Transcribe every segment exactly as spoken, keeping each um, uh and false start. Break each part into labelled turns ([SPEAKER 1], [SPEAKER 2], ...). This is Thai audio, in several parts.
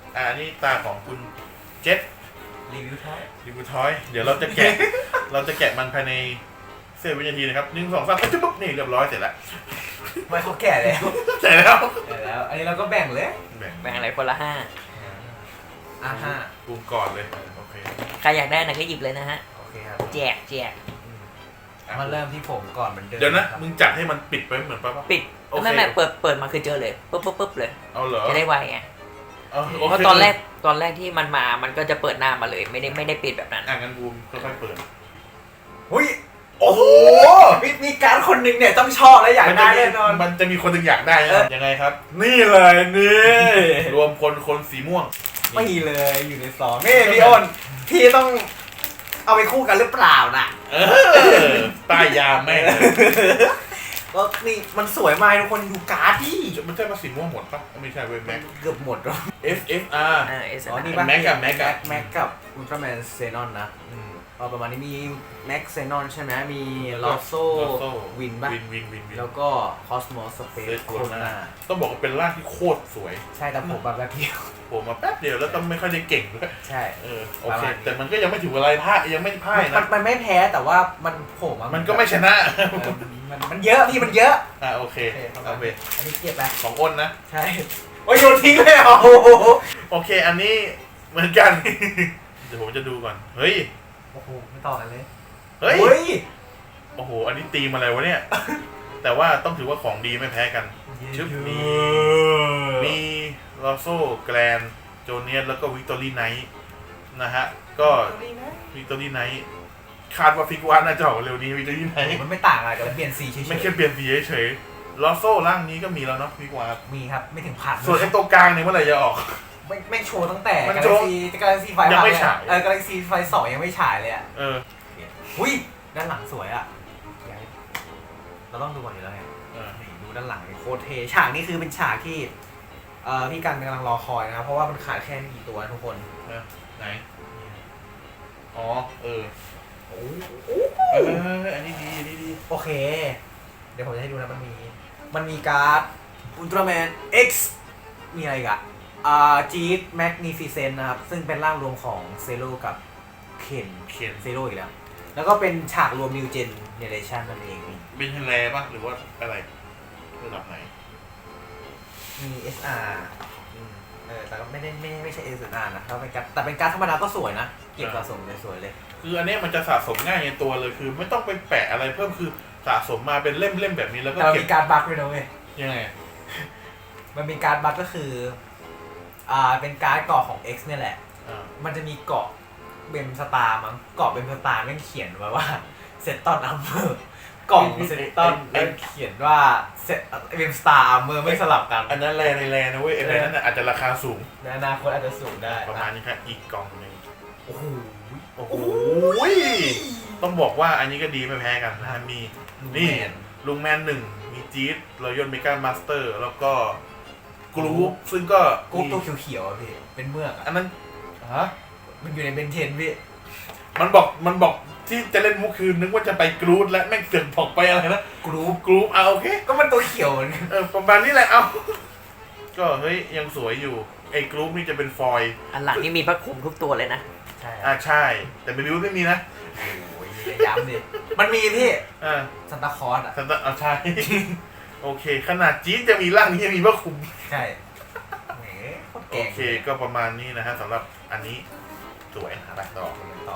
[SPEAKER 1] อ่าอันนี้ตาของคุณเจษ
[SPEAKER 2] รีวิวท้าย
[SPEAKER 1] รีวิวทอยเดี๋ยวเราจะแกะ เราจะแกะมันภายในเสี้ยววินาทีนะครับหนึ่งสองสามจุ๊บปุ๊บนี่เรียบร้อยเสร็จแล้ว
[SPEAKER 2] ไม่เขาแก่แล้ว
[SPEAKER 1] เสร็จแล้ว
[SPEAKER 2] แก่แล้ว อันนี้เราก็แบ่งเลย
[SPEAKER 1] แบ่ง
[SPEAKER 3] แบ่งอะไรคนละห้า
[SPEAKER 2] อ่าฮะ
[SPEAKER 1] ปูก่อนเลยโอเค
[SPEAKER 3] ใครอยากได้นะก็หยิบเลยนะฮะ
[SPEAKER 2] โอเคครับ
[SPEAKER 3] แจกแจก
[SPEAKER 1] อ่ะ
[SPEAKER 2] มาเริ่มที่ผมก่อนเหมือนเดิม
[SPEAKER 1] เดี๋ยวนะมึงจัดให้มันปิดไปเหมือนป่ะ
[SPEAKER 3] ปิด
[SPEAKER 1] โอเค
[SPEAKER 3] ไม่ไม่เปิดเปิดมาคือเจอเลยปุ๊บปุ๊บปุ๊บเลย
[SPEAKER 1] เอาเหรอ
[SPEAKER 3] จะได้ไวไง
[SPEAKER 1] เอาโอ
[SPEAKER 3] เพราะ
[SPEAKER 1] เค
[SPEAKER 3] ตอนแรกตอนแรกที่มันมามันก็จะเปิดหน้ามาเลยไม่ได้ไม่ได้ปิดแบบนั้น
[SPEAKER 1] อ่ะงั้นบูมค่อยๆเปิด
[SPEAKER 2] หุ้ยโอ้โหมีมีการคนหนึ่งเนี่ยต้องชอบและอยากได้แน่นอน
[SPEAKER 1] มันจะมีคนหนึ่งอยากได้
[SPEAKER 2] เออ
[SPEAKER 1] นะยังไงครับ
[SPEAKER 2] นี่เลยนี่
[SPEAKER 1] รวมคนคนสีม่วง
[SPEAKER 2] ไม่เลยอยู่ในซองนี่พี่อ้นพี่ต้องเอาไปคู่กันหรือเปล่าน่ะ
[SPEAKER 1] เออป้ายยาแม่งเลย
[SPEAKER 2] ก็นี่มันสวยมากทุกคนดูการ์ดดิ
[SPEAKER 1] มันใช่มาสีม่วงหมดปะไม่ใช่เว้ยแม็ก
[SPEAKER 2] เกือบหมดแล้ว
[SPEAKER 1] F F R
[SPEAKER 3] อ่าเอส
[SPEAKER 2] อ๋อนี่
[SPEAKER 1] แม็กกับแม็กกับ
[SPEAKER 2] แม็กกับอุลตร้าแมนเซนอนนะ
[SPEAKER 1] อืม
[SPEAKER 2] เอาประมาณนี้มีแม็กเซนอนใช่ไหมมีลอโซ
[SPEAKER 1] Lotso
[SPEAKER 2] วินป่ะ
[SPEAKER 1] วินวินวินวิน
[SPEAKER 2] แล้วก็คอสโมสเปซ
[SPEAKER 1] Space
[SPEAKER 2] โค
[SPEAKER 1] Corona
[SPEAKER 2] นา
[SPEAKER 1] ต้องบอกว่าเป็นร่างที่โคตรสวย
[SPEAKER 2] ใช่แต่ผมแบบแบบเดียว
[SPEAKER 1] ผมมาแป๊บเดียวแล้วก็ไม่ค่อยได้เก่งด้วย
[SPEAKER 2] ใช่
[SPEAKER 1] เออโอ
[SPEAKER 2] ประ
[SPEAKER 1] เค
[SPEAKER 2] มาณนี้
[SPEAKER 1] แต่มันก็ยังไม่ถืออะไรพ่ายยังไม่พ่าย
[SPEAKER 2] มัน
[SPEAKER 1] นะ
[SPEAKER 2] มันไม่แพ้แต่ว่ามันโผล่มา
[SPEAKER 1] มันก็ไม่ชนะ
[SPEAKER 2] เออมันมันเยอะพี่มันเยอะ
[SPEAKER 1] อ่ะโอเค
[SPEAKER 2] โอเคประมา
[SPEAKER 1] เอา
[SPEAKER 2] ณ
[SPEAKER 1] ไป
[SPEAKER 2] นี้อันนี้เก็บไป
[SPEAKER 1] ของอ้นนะ
[SPEAKER 2] ใช่โอ้ยโยนทิ้งเลยเหรอโอ้โห
[SPEAKER 1] โอเคอันนี้เหมือนกัน เดี๋ยวผมจะดูก่อนเฮ้ย
[SPEAKER 2] โอ้โหไม่ต่อกันเลย
[SPEAKER 1] เฮ้ย
[SPEAKER 2] เฮ้ย
[SPEAKER 1] โอ้โหอันนี้ตีมอะไรวะเนี่ย แต่ว่าต้องถือว่าของดีไม่แพ้กัน ชึบมี มีลอโซแกรนโจเนียสแล้วก็วิกตอรี่ไนท์นะฮะก็วิกตอรี่ไนท์คาดว่าฟิกวานน่าจะออกเร็วนี้วิกตอรี่ไนท์
[SPEAKER 2] มันไม่ต่างอะไรกันเปลี่ยนสีเฉยๆ
[SPEAKER 1] ไม่แค่เปลี่ยนสีเฉยๆลอโซร่างนี้ก็มีแล้วเนาะฟิกวาน
[SPEAKER 2] มีครับไม่ถึงพัน
[SPEAKER 1] ส่วนไอ้ตัวกลางเนี่ยเมื่อไหร่จะออก
[SPEAKER 2] ไม่ไม่โชว์ตั้งแต่
[SPEAKER 1] มัน
[SPEAKER 2] กา
[SPEAKER 1] โช
[SPEAKER 2] แล็
[SPEAKER 1] ว์
[SPEAKER 2] กซีกาแล็กซีไฟ
[SPEAKER 1] ยังไม่ฉาย
[SPEAKER 2] เออกาแล็กซีไฟสองยังไม่ฉายเลยอ่ะ
[SPEAKER 1] เออ
[SPEAKER 2] อุ้ยด้านหลังสวยอ่ะเราต้องดูก่อนอยู่แล้วไง
[SPEAKER 1] เออ
[SPEAKER 2] นี่ดูด้านหลังนี่โคตรเท่ฉากนี้คือเป็นฉากที่เอ่อพี่กันกำลังรอคอยนะครับเพราะว่ามันขาดแค่ไม่กี่ตัวทุกคน
[SPEAKER 1] นะไหนอ๋อเออ
[SPEAKER 2] โอ้
[SPEAKER 1] เอออันนี้ดีอันนี้ดี
[SPEAKER 2] โอเค เดี๋ยวผมจะให้ดูนะมันมีมันมีการ์ดอุลตร้าแมน X มีอะไรอีกอะอ่าจีดแมกนิฟิเซนนะครับซึ่งเป็นร่างรวมของเซโ o กับเคน
[SPEAKER 1] เขียน
[SPEAKER 2] เซโ o อีกแล้ว แล้วก็เป็นฉากรวม New Gen Generation นั่นเองนี่
[SPEAKER 1] เป็นเทเลป่ะหรือว่าอะไรระดับไหน
[SPEAKER 2] มี เอส อาร์
[SPEAKER 1] อืม
[SPEAKER 2] เออแต่ก็ไม่ได้ไม่ไม่ใช่ เอส อาร์ นะแล้วเป็นการ์ดแต่เป็นการ์ดธรรมดาก็สวยนะ เก็บสะสมเลยสวยเลย
[SPEAKER 1] คืออันเนี้ยมันจะสะสมง่ายในตัวเลยคือ ไม่ต้องไปแปะอะไรเพิ่มคือสะสมมาเป็นเล่มๆแบบนี้แล้วก็
[SPEAKER 2] แต่มัน
[SPEAKER 1] เก็บ
[SPEAKER 2] มีการ์ดบัคด้วยนะเว้ย
[SPEAKER 1] ยังไง
[SPEAKER 2] มันมีการ์ดบัคก็คืออ่าเป็นการ์ดเกาะของ X เนี่ยแหละ
[SPEAKER 1] อ่า
[SPEAKER 2] มันจะมีเกาะเบมสตาร์มั้งเกาะเบมสตาร์แม่งเขียนไว้ว่าเซตตอนอัมเมอร์กล่องเซตตอนแม่งเขียนว่าเซตเบมสตาร์อัมเมอร์ไม่สลับกัน
[SPEAKER 1] อันนั้นแรในแรนะเว้ยไอ้แรนั้นน่ะอาจจะราคาสูง
[SPEAKER 2] ในอนาคตอาจจะสูงได้
[SPEAKER 1] ประมาณนี้ครับอีกกล่องหนึ่ง
[SPEAKER 2] โอ้โห
[SPEAKER 1] โอ้โหต้องบอกว่าอันนี้ก็ดีไม่แพ้กันนะฮะมี นี่ ลุงแมนหนึ่งมีจี๊ดรอยยนเมกามาสเตอร์แล้วก็กรูปซึ่งก็
[SPEAKER 2] กูตัวเขียวๆอ่ะพี่เป็นเมือกอ่ะ
[SPEAKER 1] อันนั้น
[SPEAKER 2] ฮะมันอยู่ในเบนเทนพี่
[SPEAKER 1] มันบอกมันบอกที่จะเล่นมุกคือนึกว่าจะไปกรูดและแม่งเสือกบอกไปอะไรนะ
[SPEAKER 2] กรูป
[SPEAKER 1] กรูปเอาโอเค
[SPEAKER 2] ก็มันตัวเขียวเหมือนกัน
[SPEAKER 1] เออประมาณนี้แหละเอาก็เฮ้ยยังสวยอยู่ไอ้กรูปนี่จะเป็นฟอยล์
[SPEAKER 3] อันหลังนี่มีพระคลุมทุกตัวเลยนะ
[SPEAKER 2] ใช่
[SPEAKER 1] อ่าใช่ แต่ไม่รู้ไม่มีนะ
[SPEAKER 2] โอ้ยย้ำดิมันมีพี่
[SPEAKER 1] อ่า
[SPEAKER 2] ซันตาคลอสอ่ะ
[SPEAKER 1] สันตะอ่าใช่ โอเค ขนาดจี๊ดจะมีร่างนี้ยังมีพระคุม
[SPEAKER 2] ใช่แหมโคตร
[SPEAKER 1] โอ
[SPEAKER 2] เก่ง
[SPEAKER 1] เคก็ประมาณนี้นะฮะสำหรับอันนี้สวยไปต่อ
[SPEAKER 2] ต่อ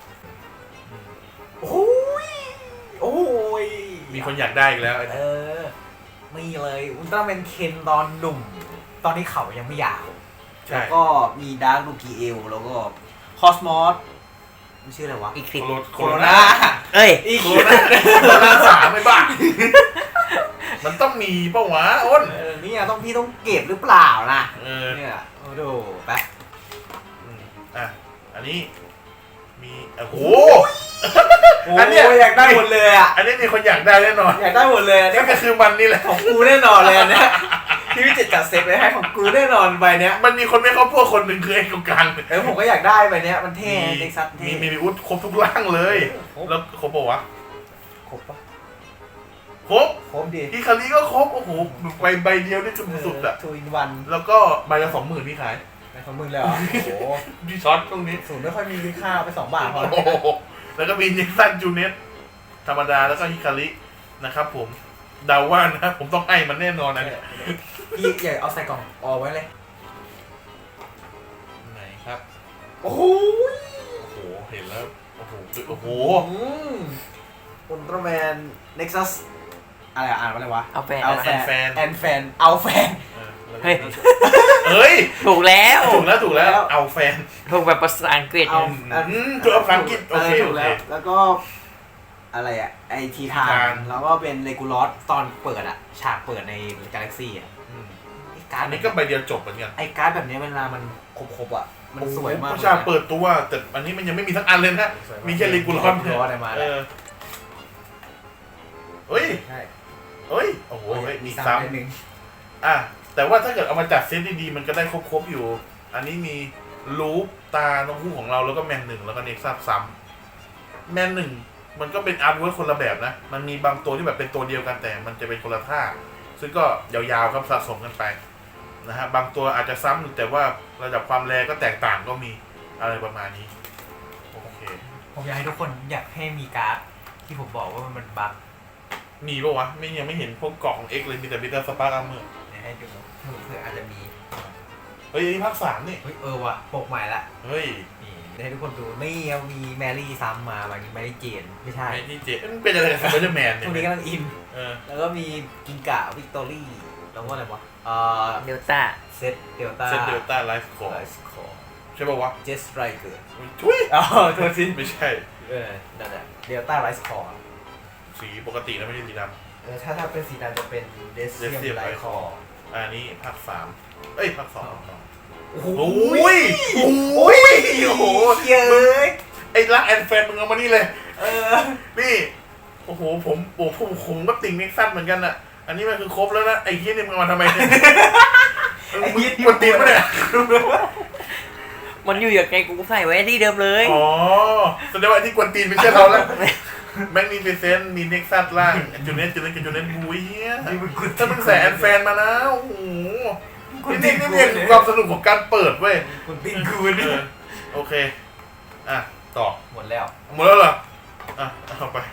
[SPEAKER 2] โอ้ยโอ้ย
[SPEAKER 1] มีคนอยากได้อีกแล้ว
[SPEAKER 2] เออมีเลยอุลตร้าแมนเคนตอนหนุ่ม ตอนนี้เขายังไม่ยาว
[SPEAKER 1] ใช่
[SPEAKER 2] แล้วก็มีดาร์คลูกีเอลแล้วก็คอสมอสมันชื่ออะไรวะ
[SPEAKER 3] อีกคลิป
[SPEAKER 1] โคโร
[SPEAKER 2] โค
[SPEAKER 1] โค
[SPEAKER 2] โร
[SPEAKER 1] โร
[SPEAKER 2] นา
[SPEAKER 1] นา
[SPEAKER 3] เอ้ย
[SPEAKER 2] อีก
[SPEAKER 1] โคโรนาโคโรนาสามไม่บ้า มันต้องมีเป้าวะอ้น
[SPEAKER 2] เออเนี่ยต้องพี่ต้องเก็บหรือเปล่านะ
[SPEAKER 1] เออ
[SPEAKER 2] เนี่ยโอ้โหไป
[SPEAKER 1] อืมอ่ะอันนี้มีโอ้โห
[SPEAKER 2] โอ้
[SPEAKER 1] อันเนี้ย
[SPEAKER 2] ยอยากได้หมดเลยอ่ะ
[SPEAKER 1] อันนี้มีคนอยากได้แน่นอน
[SPEAKER 2] อยากได้หมดเลยอัน
[SPEAKER 1] นี่
[SPEAKER 2] นี่
[SPEAKER 1] ก็คือมันนี่แหละ
[SPEAKER 2] ของกูแน่นอนเลยอันเนี่ยที่พี่เจ็ดจัดเซตไว้ให้ของกูแน่นอนใบเนี้ย
[SPEAKER 1] มันมีคนไม่เข้าพวกคนหนึ่งคือไอ้ตรงกลาง
[SPEAKER 2] เออผมก็อยากได้ใบเนี้ยมันเท่เด็กซัสเท่
[SPEAKER 1] มีมีมีอุดครบทุกร่างเลย
[SPEAKER 2] ครบ
[SPEAKER 1] แล้วครบปะวะ
[SPEAKER 2] ครบปะ
[SPEAKER 1] ครบ
[SPEAKER 2] ครบดิ
[SPEAKER 1] อีคารีก็ครบโอ้โหใบใบเดียวนี่คือสุดๆอ่ะ
[SPEAKER 2] ทูอินวัน
[SPEAKER 1] แล้วก็ใบละสองหมื่นนี่ขาย
[SPEAKER 2] ในของมึงเลยเหรอ โอ้โห
[SPEAKER 1] ดีช็อตตรงนี้
[SPEAKER 2] ศูนย์ไม่ค่อยมีค่าไปสองบาทพอ
[SPEAKER 1] โอ้โหแล้วก็มีเน็กซันจูเนตธรรมดาแล้วก็ฮิคารินะครับผมเดาว่านะผมต้องให้มันแน่นอนนะเนี่ย
[SPEAKER 2] พี่ใหญ่เอาใส่กล่องออกไว้เลย
[SPEAKER 1] ไหนครับ
[SPEAKER 2] โอ้โห
[SPEAKER 1] โอ้โหเห็นแล้วโอ้โหโอ้โห
[SPEAKER 2] อุลตร้าแมนเน็กซัสอะไรอ่ะอ่านว่าอะไรวะ
[SPEAKER 3] เอาแฟน
[SPEAKER 2] เอา
[SPEAKER 3] นะ
[SPEAKER 2] แฟนแอนแฟนเอาแฟน
[SPEAKER 1] เออแล้วก็
[SPEAKER 3] เฮ้ย
[SPEAKER 1] เฮ้ย
[SPEAKER 3] ถูกแล้ว
[SPEAKER 1] ถูกแล้วถูกแล้วเอาแฟน
[SPEAKER 3] ถูกแบบภาษาอังกฤษ
[SPEAKER 2] เอา
[SPEAKER 1] อืมถูกเอาภาษาอังกฤษโอเค
[SPEAKER 2] ถู
[SPEAKER 1] โอก เค
[SPEAKER 2] แล้วแล้วก็อะไรอ่ะไอทีทา
[SPEAKER 1] ทีทาน
[SPEAKER 2] นแล้วก็เป็นเลกูลอสตอนเปิดอ่ะฉากเปิดในกาแล็กซี่อ่ะ
[SPEAKER 1] อืม
[SPEAKER 2] ไอ้การ์ด
[SPEAKER 1] อันนี้ก็ใบเดียวจบเหมือนกัน
[SPEAKER 2] ไอ้การ์ดแบบนี้เวลามันครบๆอ่ะมันสวยมาก
[SPEAKER 1] โอ้โหผู้ชายเปิดตัวแต่อันนี้มันยังไม่มีสักอันเลยนะมีแค่เลกูลอน
[SPEAKER 2] เลกูลอสอะไรมา
[SPEAKER 1] เอ
[SPEAKER 2] แล้ว
[SPEAKER 1] อเฮ้ย
[SPEAKER 2] ใช่
[SPEAKER 1] เฮ้ยโอ้โหเฮ้ยมี
[SPEAKER 2] ซ้ำ
[SPEAKER 1] ซ้
[SPEAKER 2] นิดนึง
[SPEAKER 1] ำอ่ะแต่ว่าถ้าเกิดเอามาจัดเซตดีๆมันก็ได้ครบๆอยู่ อันนี้มีลูปตานกฮูกของเราแล้วก็แมนหนึ่งแล้วก็เน็กซัสซ้ำแมนหนึ่งมันก็เป็นอาร์ตเวิร์คคนละแบบนะ มันมีบางตัวที่แบบเป็นตัวเดียวกันแต่มันจะเป็นคนละท่า ซึ่งก็ยาวๆครับสะสมกันไปนะฮะบางตัวอาจจะซ้ำแต่ว่าระดับความแรงก็แตกต่างก็มีอะไรประมาณนี้โอเค
[SPEAKER 2] ผมอยากให้ทุกคนอยากให้มีการ์ดที่ผมบอกว่ามันเป็นบั๊ก
[SPEAKER 1] มีปะวะไม่ยังไม่เห็นพวกกล่อง X เลยมีแต่บิตเตอร์สปาร์กอาร์เมอร์
[SPEAKER 2] เดี๋ยวให้ดูเผื่ออาจจะมี
[SPEAKER 1] เฮ้ยอันนี้ภาคสามนี่
[SPEAKER 2] เฮ้ยเออว่ะปกใหม่ละ
[SPEAKER 1] เฮ้ย
[SPEAKER 2] นี่เดี๋ยวให้ทุกคนดูนี่เอามีแมรี่ซ้ำมาบางทีแมรี่เจนไม่ใช่
[SPEAKER 1] ไอ้ที่เจมันเป็นอะไรกับสไปเดอร์แมนเนี่
[SPEAKER 2] ช่วงนี้
[SPEAKER 1] ย
[SPEAKER 2] กำลังอิน
[SPEAKER 1] เออ
[SPEAKER 2] แล้วก็มีกิงกะวิกตอรี่แล้วก็อะไรวะเอ่อ
[SPEAKER 3] เดลต้า
[SPEAKER 2] เซตเดลต้า
[SPEAKER 1] เซนเดลต้าไลฟ์คอร์
[SPEAKER 2] ไลฟ์คอร์
[SPEAKER 1] ใช่ป่าวะ
[SPEAKER 2] เจสไรเกอร์
[SPEAKER 1] ทุย
[SPEAKER 2] อ๋อโทษที
[SPEAKER 1] ไม่ใช่
[SPEAKER 2] เออนั่นแหละเดลต้าไลฟ์คอร์
[SPEAKER 1] สีปกตินะไม่ใช่สีด
[SPEAKER 2] เออถ้าถ้าเป็นสีดำจะเป็นเดสเซียม
[SPEAKER 1] Decium
[SPEAKER 2] ไลฟ์คอร์
[SPEAKER 1] ำอันนี้ภาคสามเอ้ยภาคสอง
[SPEAKER 2] โอ้โห
[SPEAKER 1] โอ้ยโอ้ยโอ้โห
[SPEAKER 2] เย้ย
[SPEAKER 1] ไอ้รักแอนแฟนมึงเอามานี่เลย
[SPEAKER 2] เออ
[SPEAKER 1] นี่โอ้โหผมโอ้ผมผมก็ติ่งเน็กซัสเหมือนกันอ่ะอันนี้มันคือครบแล้วนะไอ้เฮียนี่มึงเอามาทำไมเนี่ย
[SPEAKER 2] ไอ้เหี้ย
[SPEAKER 1] มึงกวนตีนปะเนี่ย
[SPEAKER 3] มันอยู่อย่างไงกูใส่ไว้ที่เดิมเลย
[SPEAKER 1] อ๋อแสดงว่าไอ้ที่กวนตีนไม่ใช่เราแล้วแมกนีฟิเซนต์มีเน็กซัสล่างจูเนตจูเนตกับจูเนตบูเฮียถ้ามึงใส่แอนแฟนมานะโอ้โหนี่นี่นี่เนี่ยคือความสนุกของการเปิดเว้ย
[SPEAKER 2] คุณปิ้งกู
[SPEAKER 1] เอ
[SPEAKER 2] นี่
[SPEAKER 1] อโอเคอ่ะต่อ
[SPEAKER 2] หมดแล้ว
[SPEAKER 1] หมดแล้วเหรออ่ะเอาไป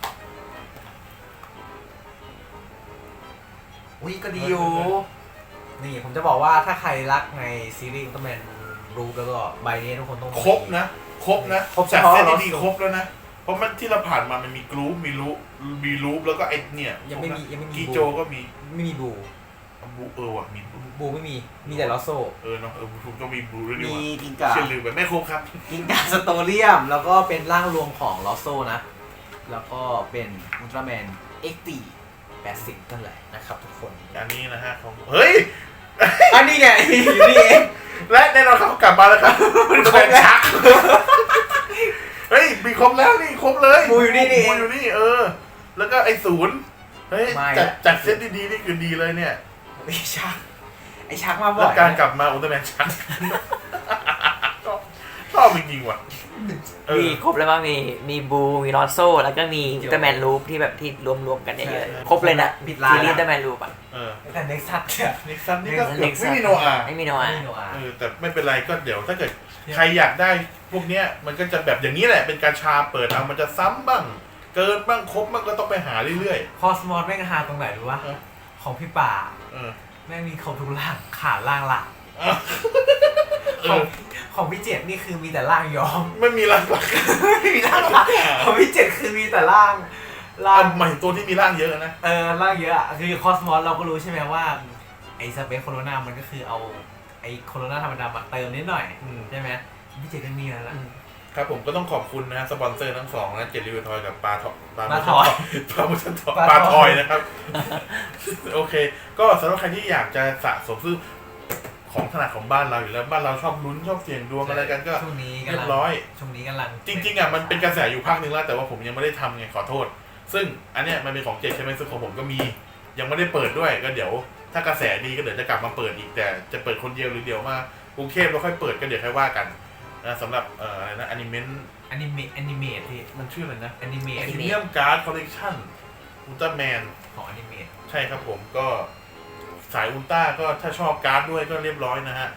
[SPEAKER 2] อุ้ยก็ดีอยู่นี่ผมจะบอกว่าถ้าใครรักในซีรีส์อุลตร้าแมนรูปแล้วก็ใบนี้ทุกคนต้อง
[SPEAKER 1] ครบนะครบนะ
[SPEAKER 2] ครบ
[SPEAKER 1] จาก
[SPEAKER 2] เฉพาะ
[SPEAKER 1] เซต
[SPEAKER 2] เรา
[SPEAKER 1] ดีๆครบแล้วนะเพราะมันที่เราผ่านมามันมีกรูปมีรูปมีรูปแล้วก็ไอ้เนี่ย
[SPEAKER 2] ยังไม่มียังไม่มี
[SPEAKER 1] กี
[SPEAKER 2] บู
[SPEAKER 1] โจก็มี
[SPEAKER 2] ไม่มีบู
[SPEAKER 1] บูเออว่ะมีบู
[SPEAKER 2] บูไม่มีมีแต่ลอสโซ
[SPEAKER 1] เออเนาะเออบูต้องมีบูด้วยนี่
[SPEAKER 2] มี
[SPEAKER 1] ว่ะ
[SPEAKER 2] กิงกา
[SPEAKER 1] เชื่อลืมไปไม่ครบครับ
[SPEAKER 2] กิงกาสโตเรียมแล้วก็เป็นร่างรวมของลอสโซนะ แล้วก็เป็นอุลตร้าแมนเอ็กตีแปดสิบนั่นแหละนะครับทุกคน
[SPEAKER 1] อันนี้นะฮะของเฮ้ย
[SPEAKER 2] อันนี้ไงอยู่นี่เอง
[SPEAKER 1] และแน่นอนเขากลับมาแล้วครับมันครบชักเฮ้ยมีครบแล้วนี่ครบเลย
[SPEAKER 2] บูอยู่นี่นี่เอ
[SPEAKER 1] บู
[SPEAKER 2] ง
[SPEAKER 1] อยู่นี่เออ แล้วก็ไอ้ศูนย์เฮ้ย
[SPEAKER 2] ไม่
[SPEAKER 1] จัดจัดเซตดีๆนี่คือดีเลยเนี่ย
[SPEAKER 2] ไอ้ชักไอ้ชักมาบ่
[SPEAKER 1] แล้
[SPEAKER 2] อ
[SPEAKER 1] วย การกลับมาอุลตร้าแมนชักชอบชอบจริงๆว่ะเออ
[SPEAKER 3] มีครบแล้วมั้งมีมีบูมีลอโซแล้วก็มีอุลตร้าแมนรูปที่แบบที่รวมๆกันเยอะๆครบเลยนะ
[SPEAKER 2] ปิดลา
[SPEAKER 3] ซี
[SPEAKER 2] ย
[SPEAKER 3] รีส์อุลต
[SPEAKER 2] นะ
[SPEAKER 3] ร้าแมนรูปอ่ะ
[SPEAKER 1] เออ
[SPEAKER 2] แต่เน็กซัสเนี่ย
[SPEAKER 1] นิกซันนี่ก็เกือบ
[SPEAKER 3] Nexus
[SPEAKER 1] ไม่มีโนอาห์
[SPEAKER 3] ไม่มีโนอา
[SPEAKER 2] ไม่โนอา
[SPEAKER 1] เออแต่ไม่เป็นไรก็เดี๋ยวถ้าเกิดใครอยากได้พวกเนี้ยมันก็จะแบบอย่างนี้แหละเป็นการชาเปิดเอามันจะซ้ำบ้าง เกินบ้างครบบ้างก็ต้องไปหาเรื่อย
[SPEAKER 2] คอสมอสแม่งฮาตรงไหนรู้ปะ
[SPEAKER 1] เออ
[SPEAKER 2] ของพี่ป่า
[SPEAKER 1] ๆเออ
[SPEAKER 2] แม่งมีครบทุกร่างขาดร่างหลัก
[SPEAKER 1] เออเอ
[SPEAKER 2] ของ
[SPEAKER 1] อ
[SPEAKER 2] ของพี่เจ็ดนี่คือมีแต่ร่างย้อม
[SPEAKER 1] ไม่มีร่างหลัก
[SPEAKER 2] ไม่มีร่างหลักของพี่เจ็ดคือมีแต่ร่างร่า
[SPEAKER 1] อ่ะ
[SPEAKER 2] ง
[SPEAKER 1] หมายถึงตัวที่มีร่างเยอะนะ
[SPEAKER 2] เออร่างเยอะอะคือคอสมอสเราก็รู้ใช่ไหมว่าไอ้สเปซโคโรนามันก็คือเอาไอ้โคโรนาธรรมดามาเติมนิดหน่อย
[SPEAKER 1] อืม
[SPEAKER 2] ใช่ไหมพี่เจ็ดก็มีแล้วล่ะ
[SPEAKER 1] ครับผมก็ต้องขอบคุณนะสปอนเซอร์ทั้งสองนะเจลลี่ทอยกับปลาทอปลา
[SPEAKER 2] ปลาทอย
[SPEAKER 1] ปลามุชันทอย
[SPEAKER 2] ปลาทอย
[SPEAKER 1] ปลาทอยนะครับ โอเค ก็สำหรับใครที่อยากจะสะสมซื้อของถนัดของบ้านเราอยู่แล้วบ้านเราชอบลุ้นชอบเสี่ยงดวงอะไรกันก็
[SPEAKER 2] ช่วงนี้
[SPEAKER 1] เรี
[SPEAKER 2] กำ
[SPEAKER 1] ย
[SPEAKER 2] ลั
[SPEAKER 1] บ
[SPEAKER 2] ง
[SPEAKER 1] ร้อย
[SPEAKER 2] ช่วงนี้กำลัง
[SPEAKER 1] จริงๆอ่ะมันเป็นกระแสอยู่พักนึงแล้วแต่ว่าผมยังไม่ได้ทำไงขอโทษ ซึ่งอันเนี้ยมันเป็นของเจใช่ไหมซึ่งของผมก็มี ยังไม่ได้เปิดด้วยก็เดี๋ยว ถ้ากระแสดีก็เดี๋ยวจะกลับมาเปิดอีกแต่จะเปิดคนเดียวหรือเดียวมากรุงเทพแล้วค่อยเปิดก็เดี๋ยวค่อยว่ากันนะสำหรับเอ่ออะไรนะอนิเมะ
[SPEAKER 2] อนิเมะอนิเมะที่
[SPEAKER 1] มันชื่ออะไรนะ
[SPEAKER 2] อนิเมะ
[SPEAKER 1] พรีเมียมการ์ดคอลเลกชันอุลตร้าแมน
[SPEAKER 2] ของอนิเมะ
[SPEAKER 1] ใช่ครับผมก็สายอุลตร้าก็ถ้าชอบการ์ดด้วยก็เรียบร้อยนะฮะ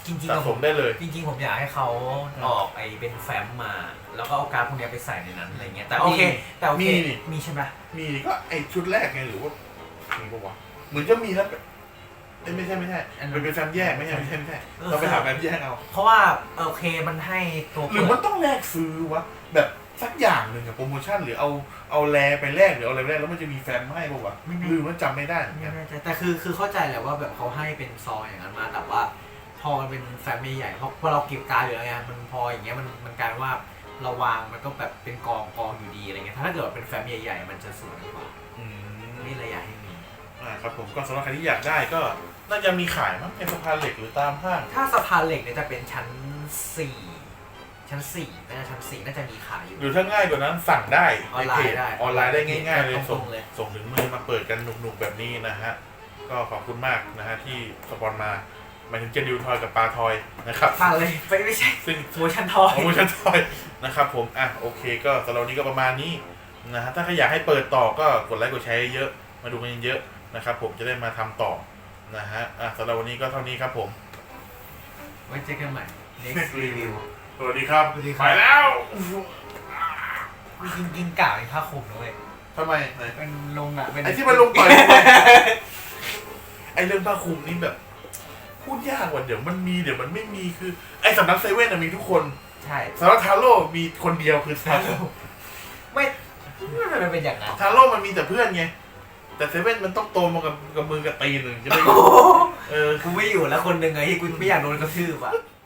[SPEAKER 2] จริงๆ
[SPEAKER 1] สะ
[SPEAKER 2] อะ
[SPEAKER 1] ส
[SPEAKER 2] ผม
[SPEAKER 1] มได้เลย
[SPEAKER 2] จริงๆผมอยากให้เขาออกไอเป็นแฟ้มมา แล้วก็เอาการ์ดพวกเนี้ยไปใส่ในนั้นอะไรเงี้ยแต่โอเคแต่โอเค
[SPEAKER 1] มีนี่
[SPEAKER 2] มีใช่ไหม
[SPEAKER 1] มีก็ไอชุดแรกไงหรือว่ามีปะวะเหมือนจะมีแล้วเอ้ยไม่ใช่ไม่ใช่มันเป็นแฟมแยกไม่ใช่ไม่ใช่ไม่ใช่เราไปหาแฟมแยกเอา
[SPEAKER 2] เพราะว่าโอเคมันให้ตัว
[SPEAKER 1] หรือ
[SPEAKER 2] เปิ
[SPEAKER 1] มัน
[SPEAKER 2] ด
[SPEAKER 1] ต้องแลกซื้อวะแบบสักอย่างหนึ่งอะโปรโมชั่นหรือเอาเอาแลไปแลกหรือเอาอะไรไปแลกแล้วมันจะมีแฟมให้ปะวะหรือมันจำไม่ได้เหมือน
[SPEAKER 2] ไม่
[SPEAKER 1] กัน
[SPEAKER 2] แน่ใจแต่คือคือเข้าใจแหละว่าแบบเขาให้เป็นซองอย่างนั้นมาแต่ว่าพอมันเป็นแฟ้มใหญ่ๆเพราะพอเราเก็บการ์ดอยู่แล้วไงมันพออย่างเงี้ยมันมันกลายว่าเราวางมันก็แบบเป็นกองกองอยู่ดีอะไรเงี้ยถ้าเกิดว่าเป็นแฟ้มใหญ่ๆมันจะสวยกว่า
[SPEAKER 1] อืม
[SPEAKER 2] นี่เลยอยากให้มี
[SPEAKER 1] อ่าครับผมก็สำหรับใครที่อยากได้ก็น่าจะมีขายมั้งในสะพานเหล็กหรือตามห้าง
[SPEAKER 2] ถ้าสะพานเหล็กเนี่ยจะเป็นชั้นสี่ชั้นสี่น่าจะชั้นสี่น่าจะมีขายอยู่
[SPEAKER 1] หรือถ้าง่ายกว่านั้นสั่งได้
[SPEAKER 2] ออนไลน์
[SPEAKER 1] เพจ
[SPEAKER 2] ได้
[SPEAKER 1] ออนไลน์ได้ง่ายๆเลย
[SPEAKER 2] ตรงๆ
[SPEAKER 1] ส่ง
[SPEAKER 2] เลย
[SPEAKER 1] ส่งถึงมือมาเปิดกันหนุกๆแบบนี้นะฮะก็ขอบคุณมากนะฮะที่สปอนมาหมายถึงเจดิวทอยกับปลาทอยนะครับ
[SPEAKER 2] ผ่านเลยไม่ไม่ใช่
[SPEAKER 1] ซึ่ง
[SPEAKER 2] โมชั่นทอย
[SPEAKER 1] โปรโมชั่นทอยนะครับผมอ่ะโอเคก็สำหรับวันนี้ก็ประมาณนี้นะฮะถ้าใครอยากให้เปิดต่อก็กดไลค์กดแชร์เยอะมาดูกันเยอะนะครับผมจะได้มาทำต่อนะฮะอ่ะสำหรับวันนี้ก็เท่านี้ครับผม
[SPEAKER 2] ไว้เจอกันใหม่ next review
[SPEAKER 1] สวัสดีครับ
[SPEAKER 2] สวัสดีครับ
[SPEAKER 1] ไปแล้ว
[SPEAKER 2] จริงจริงๆกล่าวเป็นผ้าคลุมนะเว้ย
[SPEAKER 1] ทำไมไหน
[SPEAKER 2] เป็นลงอ่ะเป็น
[SPEAKER 1] ไอ้ที่มันลงต่อย ไอ้เรื่องผ้าคลุมนี่แบบ พูดยากว่ะเดี๋ยวมันมีเดี๋ยวมันไม่มีคือไอ้สำนักเซเว่นมีทุกคน
[SPEAKER 2] ใช่
[SPEAKER 1] สำนักทาโร่มีคนเดียวคือทาโร่
[SPEAKER 2] ไม่ไม่มันเป็นอย่างนั้น
[SPEAKER 1] ทาโร่มันมีแต่เพื่อนไงแต่เซเว่นมันต้องโตมากับกับมือกับตีนหนึ่งจะได้เออ
[SPEAKER 2] กูไม่อยู่แล้วคนหนึ่งไงที่กูไม่อยากโดนกระทืบอ่ะ